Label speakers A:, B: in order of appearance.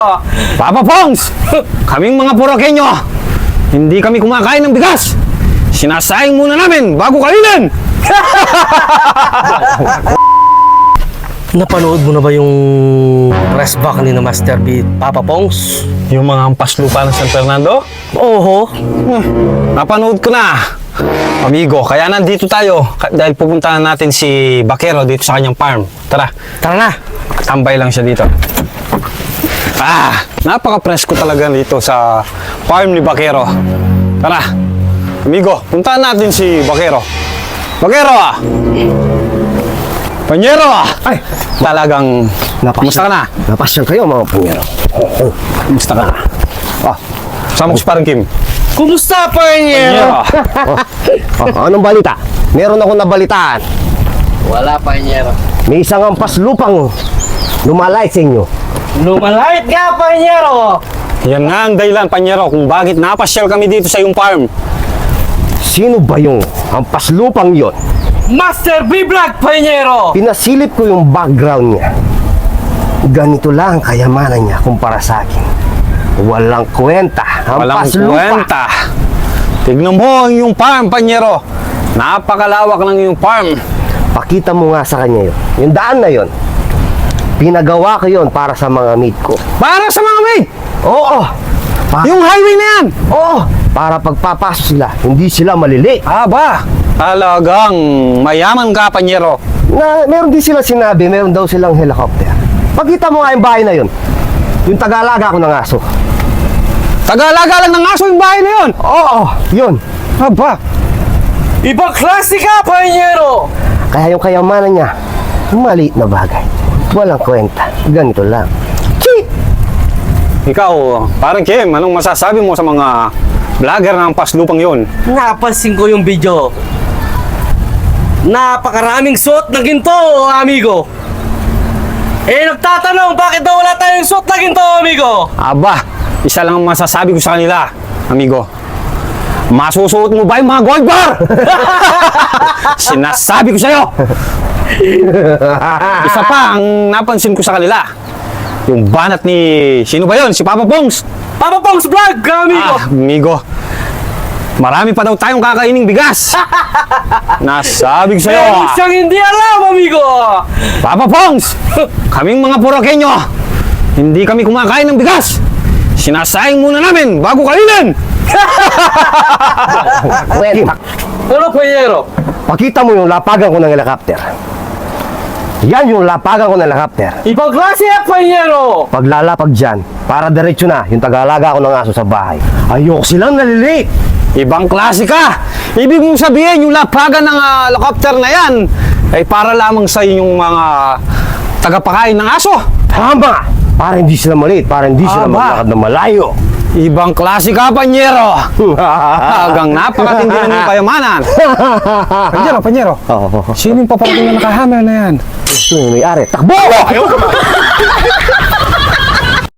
A: Papa Pongs! Kaming mga Purakenyo, hindi kami kumakain ng bigas. Sinasayang muna namin bago kainin.
B: Napanood mo na ba yung press back ni na Master B, Papa Pongs?
A: Yung mga hampas lupa ng San Fernando?
B: Oo.
A: Napanood ko na. Amigo, kaya nandito tayo dahil pupuntahan natin si Bakero dito sa kanyang farm. Tara,
B: Tara na.
A: tambay lang siya dito. Napaka-presko talaga dito sa farm ni Bakero. Tara, amigo, puntahan natin si Bakero. Bakero! Panyero!
B: Ay,
A: Talagang, kumusta ka na?
B: napasyal kayo mga panyero.
A: Kumusta ka na? Sama ko si Parang Kim.
B: Kumusta, panyero?
C: Anong balita? Meron akong nabalitaan.
B: Wala, panyero.
C: May isang ampas lupang lumalay sa inyo.
B: Lumalait ka, panyero!
A: Yan nga ang dahilan, Panyero, kung bakit napasyal kami dito sa iyong farm.
C: Sino ba yung ampas lupang yon?
B: Master B Vlog, panyero!
C: Pinasilip ko yung background niya. Ganito lang ang kayamanan niya kumpara sa akin. Walang kwenta.
A: Walang
C: Ampas lupa.
A: kwenta. Tignan mo ang iyong farm, Panyero. Napakalawak ng iyong farm.
C: Pakita mo nga sa kanya yun. Yung daan na yon. Pinagawa ko yon para sa mga meat ko.
A: Para sa mga maid,
C: Oo.
A: yung highway na yan.
C: Oo. Para pagpapasok sila, hindi sila malili.
A: Aba, talagang mayaman ka, Panyero.
C: Meron din sila sinabi, meron daw silang helicopter. Pakita mo nga yung bahay na yun. Yung tagalaga ko ng aso.
A: Tagalaga lang ng aso yung bahay na yun.
C: Oo, yun.
A: Aba,
B: Ibang klase ka, panyero!
C: Kaya yung kayamanan niya, maliit na bagay. Walang kwenta. Ganito lang.
A: ikaw, Parang Kim, anong masasabi mo sa mga vlogger ng paslupang yun?
B: Napansin ko yung video. Napakaraming suot na ginto, amigo. Nagtatanong, bakit daw wala tayong suot na ginto, amigo?
A: Aba, isa lang ang masasabi ko sa kanila, amigo. Masusuot mo ba yung mga gold bar? Sinasabi ko sa'yo. Isa pa ang napansin ko sa kanila. Yung banat ni... Sino ba yon? Si Papa Pongs.
B: Papa Pongs Vlog, amigo.
A: Amigo. Marami pa daw tayong kakaining bigas. Nasabi ko sa'yo.
B: Meron siyang hindi alam, amigo.
A: Papa Pongs, kaming mga Purakenyo, hindi kami kumakain ng bigas. Sinasayang muna namin bago kainin.
C: Kwenta.
B: Ano, panyero?
C: Pakita mo yung lapagan ko ng helicopter. Yan yung lapagan ko ng helicopter.
B: Ibang klase yan, panyero.
C: Paglalapag dyan, para diretso na yung tagalaga ko ng aso sa bahay. Ayoko silang nalilate.
A: Ibang klase ka. Ibig mong sabihin, yung lapagan ng helicopter na yan ay para lamang sa inyong mga tagapakain ng aso.
C: Tama! Para hindi sila maliit, para hindi sila
A: Aba.
C: maglakad na malayo.
A: Ibang klase ka, Panyero. Hanggang napakatindi na ng kayamanan. Panyero.
C: Oo.
A: Sino yung paparating na nakahammer na yan?
C: Ito yung may-ari. Takbo!